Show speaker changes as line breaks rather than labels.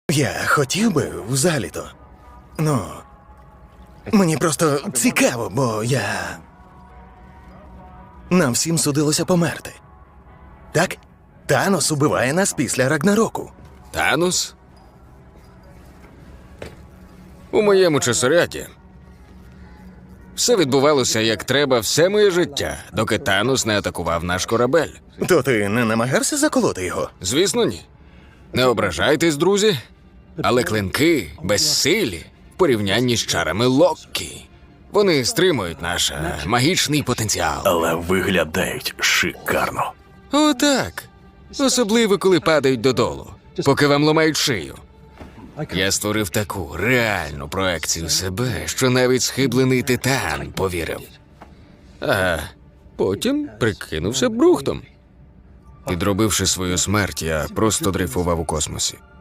Я хотів би взагалі-то. Ну, мені просто цікаво, бо я... Нам всім судилося померти. Так? Танос убиває нас після Рагнароку.
Танос? У моєму часоряді все відбувалося як треба все моє життя, доки Танос не атакував наш корабель.
То ти не намагався заколоти його?
Звісно, ні. Не ображайтесь, друзі, але клинки безсилі в порівнянні з чарами Локкі. Вони стримують наш магічний потенціал.
Але виглядають шикарно.
Отак. Особливо, коли падають додолу, поки вам ламають шию. Я створив таку реальну проекцію себе, що навіть схиблений титан повірив. А потім прикинувся брухтом. Підробивши свою смерть, я просто дрейфував у космосі.